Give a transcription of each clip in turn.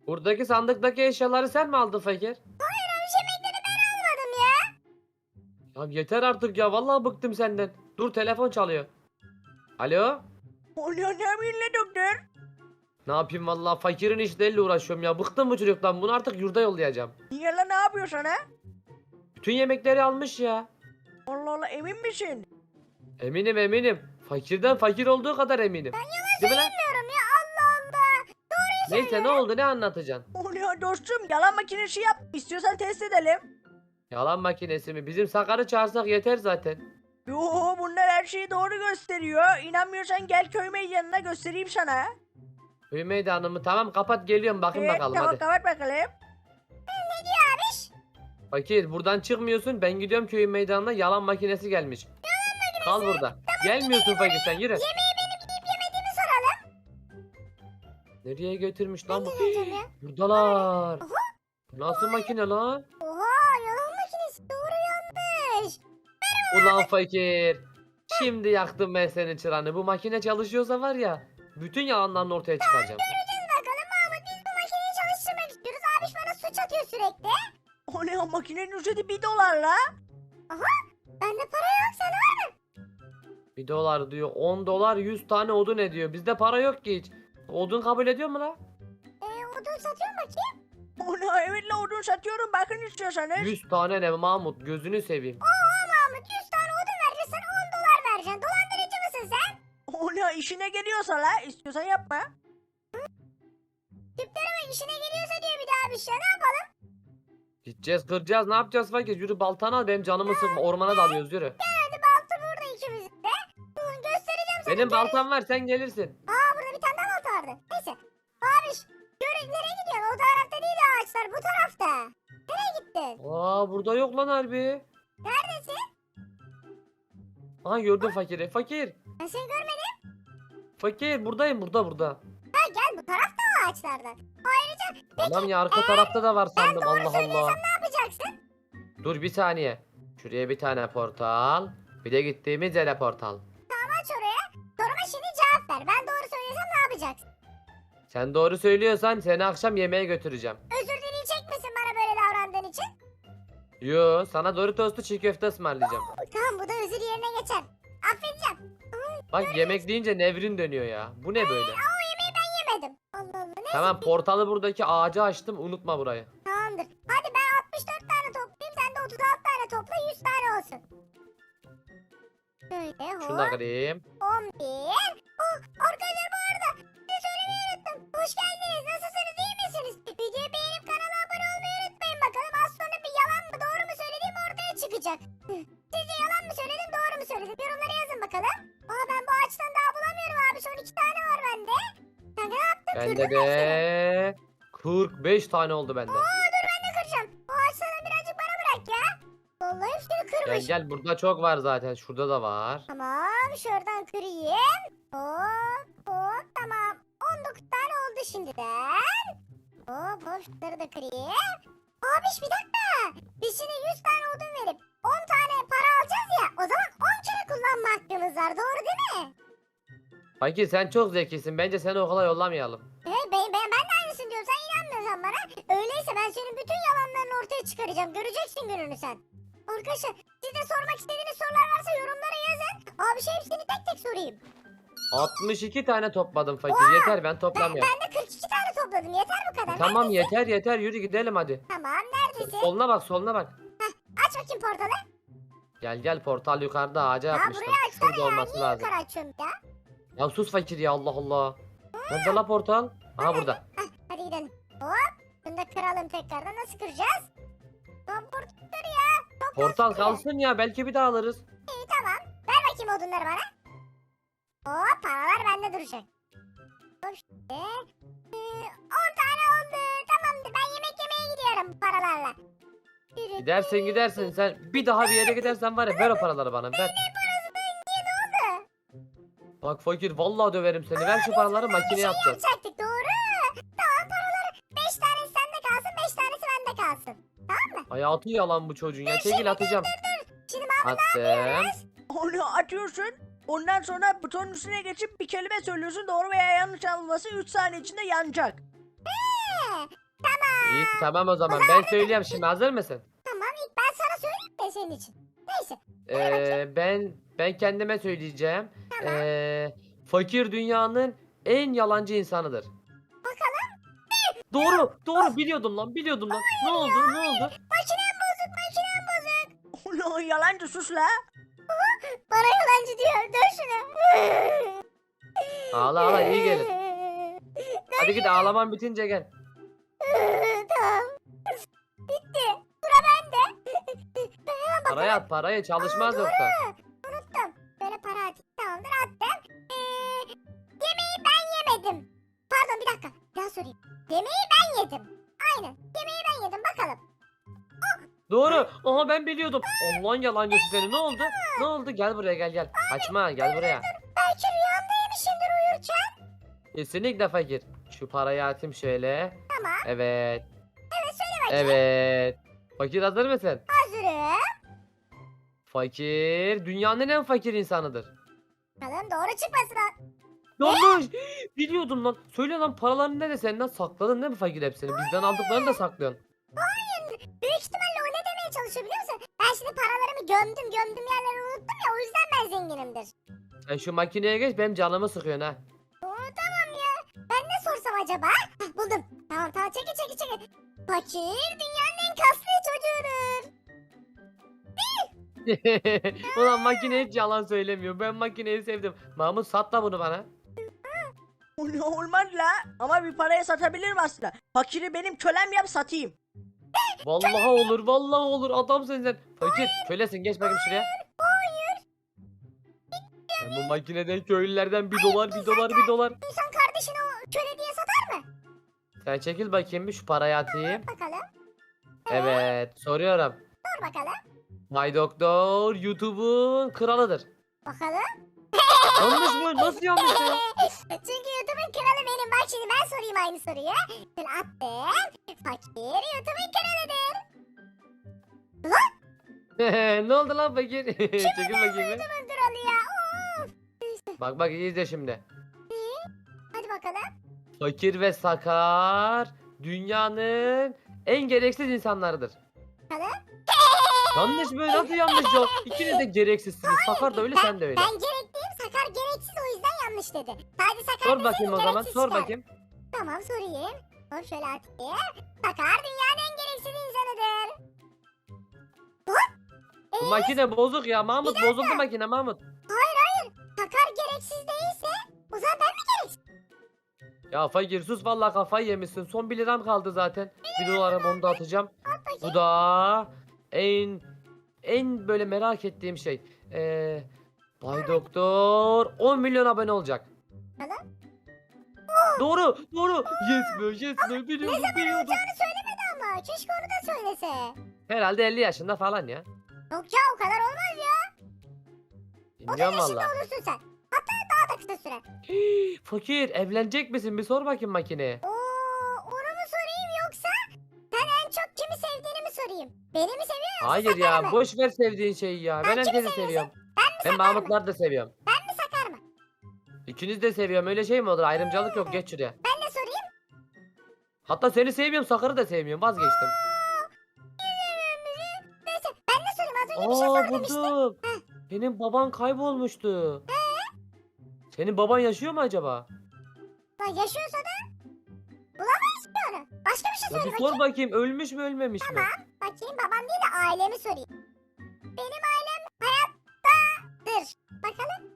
Buradaki sandıktaki eşyaları sen mi aldın fakir? Hayır yemekleri ben almadım ya. Ya yeter artık ya vallahi bıktım senden. Dur telefon çalıyor. Alo? O ne minnet doktor? Ne yapayım vallahi fakirin işleriyle uğraşıyorum ya. Bıktım bu çocuktan. Bunu artık yurda yollayacağım. Niye lan ne yapıyorsun ha? Bütün yemekleri almış ya. Allah Allah emin misin? Eminim eminim. Fakirden fakir olduğu kadar eminim. Değil mi lan? Bilmiyorum ya Allah Allah. Neyse ne oldu ne anlatacaksın? O ne dostum yalan makinesi yap. İstiyorsan test edelim. Yalan makinesi mi? Bizim Sakar'ı çağırsak yeter zaten. Yo bunlar her şeyi doğru gösteriyor. İnanmıyorsan gel köy meydanına göstereyim sana. Köy meydanı mı? Tamam kapat geliyorum bakın bakalım tamam hadi. kapat bakalım. Fakir buradan çıkmıyorsun. Ben gidiyorum köyün meydanına yalan makinesi gelmiş. Kal burada. Gelmiyorsun fakir sen yürü. Yemeği benim yiyip yemediğimi soralım. Nereye götürmüş lan bu? Geleceğim ya. Buradalar. Nasıl makine lan? Oha yalan makinesi doğru yanlış. Ulan fakir. Şimdi yaktım ben senin çıranı. Bu makine çalışıyorsa var ya. Bütün yalanlarını ortaya çıkaracağım. Göreceğiz bakalım Mahmut biz bu makineyi çalıştırmak istiyoruz. Abiş bana suç atıyor sürekli. O ne o makinenin ücreti $1 la. Bende para yok sen var mı? 1 dolar diyor. 10 dolar 100 tane odun ediyor. Bizde para yok ki hiç. Odun kabul ediyor mu la? Odun satıyor bakayım. O ne evet la odun satıyorum bakın istiyorsanız. 100 tane ne Mahmut gözünü seveyim. Mahmut 100 tane odun vereceksin 10 dolar vereceksin. Dolandırıcı mısın sen? O ne işine geliyorsa la istiyorsan yapma. Tüplerime işine geliyorsa diyor bir daha bir şey ne yapalım? Gideceğiz kıracağız ne yapacağız fakir? Yürü baltanı al benim canımı sıkma. Ormana dalıyoruz yürü. Hadi balta burada ikimizin de. Göstereceğim sana. Benim baltam var sen gelirsin. Burada bir tane daha balta vardı. Neyse. Abiş nereye gidiyorsun? O tarafta değil ağaçlar bu tarafta. Nereye gittin? Aa burada yok lan harbi. Neredesin? Aha gördüm fakiri. Fakir. Ben seni görmedim. Fakir buradayım burada. Ha gel bu tarafta o ağaçlardan. Ayrıca Tamam ya arka tarafta da var sandım Allah Allah. ne yapacaksın? Dur bir saniye. Şuraya bir tane portal. Bir de gittiğimiz yere portal. Aç oraya. Soruma şimdi cevap ver. Ben doğru söylesem ne yapacaksın? Sen doğru söylüyorsan seni akşam yemeğe götüreceğim. Özür dileyecek misin bana böyle davrandığın için? Yo sana Doritos'lu çiğ köfte ısmarlayacağım. Tamam bu da özür yerine geçer. Affedeceğim. Bak yemek deyince nevrin dönüyor ya. Bu ne böyle? O yemeği ben yemedim. Allah Allah ne? Tamam portalı buradaki ağaca açtım unutma burayı. Tamamdır. Hadi ben 64 tane toplayayım. Sen de 36 tane topla 100 tane olsun. Şöyle Şunu da kırayım. 11. Arkadaşlar bu arada size söylemeyi unuttum. Hoş geldiniz. Nasılsınız? İyi misiniz? Videoyu beğenip kanala abone olmayı unutmayın bakalım. Az sonra bir yalan mı doğru mu söylediğim ortaya çıkacak. Sizce yalan mı söyledim doğru mu söyledim? Yorumlara yazın bakalım. Ben bu ağaçtan daha bulamıyorum abi. Son 2 tane var bende. Sen ne yaptın? Bende Kırdın mı hepsini? de 45 tane oldu bende. Dur ben de kıracağım. Bu ağaçlardan birazcık bana bırak ya. Vallahi hepsini kırmış. Gel burada çok var zaten. Şurada da var. Tamam şuradan kırayım. Hop tamam. 19 tane oldu şimdiden. Hop şunları da kırayım. Abiş bir dakika. Biz şimdi 100 tane odun verip 10 tane para alacağız ya. O zaman 10 kere kullanma hakkımız var. Doğru değil mi? Fakir sen çok zekisin. Bence seni okula yollamayalım. Ben de aynısını diyorum. Sen inanmıyorsan bana. Öyleyse ben senin bütün yalanlarını ortaya çıkaracağım. Göreceksin gününü sen. Arkadaşlar siz de sormak istediğiniz sorular varsa yorumlara yazın. Abi hepsini tek tek sorayım. 62 tane topladım fakir. Yeter ben toplamıyorum. Ben de 42 tane topladım. Yeter bu kadar. Tamam Neredesin? yeter yürü gidelim hadi. Tamam neredesin? Soluna bak. Aç bakayım portalı. Gel portal yukarıda ağaca yapmıştım. Buraya açsana Şurada ya. olması Niye lazım. yukarı açıyorum ya? Ya sus fakir ya Allah Allah. Nerede la portal? Aha burada. Hadi gidelim. Hop. Bunu da kıralım tekrardan. Nasıl kıracağız? Portal ya. Portal kalsın ya belki bir daha alırız. İyi tamam. Ver bakayım odunları bana. Paralar bende duracak. Hop şimdi. 10 tane oldu. Tamamdır. Ben yemek yemeye gidiyorum bu paralarla. Gidersin sen bir daha bir yere gidersen var ya ver o paraları bana ver. Bak fakir vallahi döverim seni ver şu paraları makineye atacağız. Yapacaktık doğru. Tamam paraları 5 tanesi sende kalsın 5 tanesi bende kalsın. Tamam mı? Hayatı yalan bu çocuğun ya çekil atacağım. Şimdi Attım. onu atıyorsun. Ondan sonra butonun üstüne geçip bir kelime söylüyorsun. Doğru veya yanlış alınması 3 saniye içinde yanacak. tamam o zaman ben söyleyeyim şimdi, hazır mısın? Tamam ilk ben sana söyleyeyim de senin için. Neyse. Hadi bakayım. Ben kendime söyleyeceğim. Tamam. Fakir dünyanın en yalancı insanıdır. Bakalım. Doğru biliyordum lan, biliyordum lan. Ne oldu? Ne oldu? Makinem bozuk, makinem bozuk. Ulan yalancı sus la. Bana yalancı diyor. Dön şunu. Ağla ağla, iyi gelir. Hadi git, ağlaman bitince gel. Tamam. Bitti. Sıra bende. Ben hemen Parayı at, parayı, çalışmaz yoksa. unuttum. Böyle para atayım. Tamamdır attım. Yemeği ben yemedim. Pardon bir dakika. Bir daha sorayım. Yemeği ben yedim. Aynen. Yemeği ben yedim. Bakalım. Doğru. Aha, ben biliyordum. Allah'ın yalancısı seni. Ne oldu? Ne oldu? Gel buraya, gel. Kaçma, gel buraya. Belki rüyamda yemişimdir uyurken. Kesinlikle fakir. Şu parayı atayım şöyle. Tamam. Evet. Evet söyle bakayım. Evet. Fakir, hazır mısın? Hazırım. Fakir dünyanın en fakir insanıdır. Bakalım doğru çıkmasın o. Yanlış. Biliyordum lan. Söyle lan, paralarını nerede, senden sakladın değil mi fakir hepsini? Bizden aldıklarını da saklıyorsun. Büyük ihtimalle o ne demeye çalışıyor biliyor musun? Ben şimdi paralarımı gömdüm yerleri unuttum ya o yüzden ben zenginimdir. Sen şu makineye geç, benim canımı sıkıyorsun ha. Tamam ya. Ben ne sorsam acaba? Hah, buldum. Tamam çekil. Fakir dünyanın en kaslı çocuğudur. Ulan makine hiç yalan söylemiyor. Ben makineyi sevdim. Mahmut, sat da bunu bana. Ulan olmaz la. Ama bir paraya satabilirim aslında. Fakiri benim kölem yap satayım. Vallahi olur, vallahi olur. Adamsın sen. Fakir, kölesin, geç bakayım şuraya. Ben bu makineden köylülerden bir dolar. İnsan kardeşini o köle diye satar mı? Sen çekil bakayım, bir şu parayı atayım. Bakalım. Evet, soruyorum. Dur bakalım. Bay Doktor YouTube'un kralıdır. Bakalım. Yanlış mı? Nasıl yanlış ya? Çünkü YouTube'un kralı benim. Bak şimdi ben sorayım aynı soruyu. Şöyle attım. Fakir YouTube'un kralıdır. Ne oldu lan fakir? Çekil bakayım. Bir. YouTube'un kralı ya. Of. Bak iyi izle şimdi. Hadi bakalım. Fakir ve sakar dünyanın en gereksiz insanlarıdır. Bakalım. Yanlış mı? Nasıl yanlış yok? İkiniz de gereksizsiniz. Sakar da öyle, sen de öyle. Ben gerekliyim. Sakar gereksiz o yüzden yanlış dedi. Sadece Sakar Sor deseydi bakayım o zaman. gereksiz Sor çıkar. bakayım. Tamam sorayım. Sor şöyle atayım. Sakar dünyanın en gereksiz insanıdır. Bu makine bozuk ya. Mahmut, bozuldu makine Mahmut. Sakar gereksiz değilse o zaman ben mi gereksiz? Ya fakir sus, vallahi kafayı yemişsin. Son 1 liram kaldı zaten. 1 dolarım, onu da atacağım. Bu da en böyle merak ettiğim şey. Bay Doktor 10 milyon abone olacak. Tamam. Doğru. Yes be. Biliyordum. Olacağını söylemedi ama keşke onu da söylese. Herhalde 50 yaşında falan ya. Yok ya o kadar olmaz ya. 30 Bilmiyorum yaşında valla. olursun sen. Hatta daha da kısa süre. Fakir, evlenecek misin? Bir sor bakayım makineye. Onu mu sorayım yoksa sen en çok kimi sevdiğini mi sorayım? Beni mi seviyorsun? Hayır ya, mı? boş ver sevdiğin şeyi ya. Ben kimi herkesi seviyorum. Ben Sakar mı? Mahmutlar da seviyorum. Ben mi Sakar mı? İkiniz de seviyorum. Öyle şey mi olur? Ayrımcılık yok. Geç şuraya. Ben ne sorayım? Hatta seni sevmiyorum, Sakar'ı da sevmiyorum. Vazgeçtim. Neyse ben ne sorayım az önce bir şey sor demiştin. Buldum. Benim baban kaybolmuştu. Senin baban yaşıyor mu acaba? Lan yaşıyorsa da bulamayız ki onu. Başka bir şey Ya söyle bir bakayım. sor bakayım, ölmüş mü ölmemiş mi? Bakayım babam değil de ailemi sorayım. Benim ailem hayattadır. Bakalım.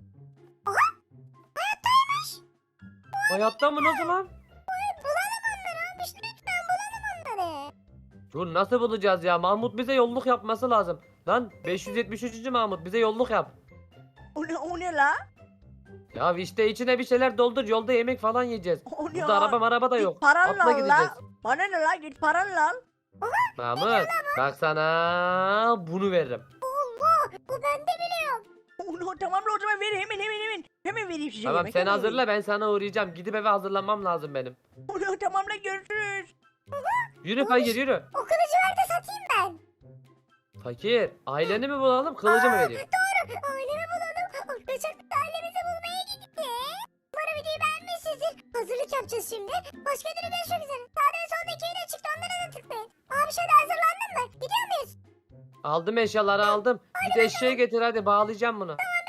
Hayatta mı, nasıl lan? Bulalım onları abi. Lütfen bulalım onları. Dur, nasıl bulacağız ya? Mahmut bize yolluk yapması lazım. Lan 573. Mahmut, bize yolluk yap. O ne la? Ya işte içine bir şeyler doldur, yolda yemek falan yiyeceğiz. O ne Burada araba da Git yok. paranla Atla al gideceğiz. la. Bana ne la, git paranla al. Mahmut bak, sana bunu veririm. Bu bende bile yok. Ulan tamam la, o zaman ver hemen. Hemen vereyim size Tamam yemek, sen hemen hazırla, ben sana uğrayacağım. Gidip eve hazırlanmam lazım benim. vereyim. Ulan tamam la, görüşürüz. Yürü fakir, yürü. O kılıcı ver de satayım ben. Fakir, aileni mi bulalım, kılıcı mı vereyim? Ailemi bulalım. Arkadaşlar biz ailemizi bulmaya gittik. Umarım videoyu beğenmişsinizdir. Hazırlık yapacağız şimdi. Başka türlü görüşmek üzere. Sağda ve soldaki yine çıktı. Onlara da Aldım eşyaları aldım. Git eşeği getir hadi bağlayacağım bunu.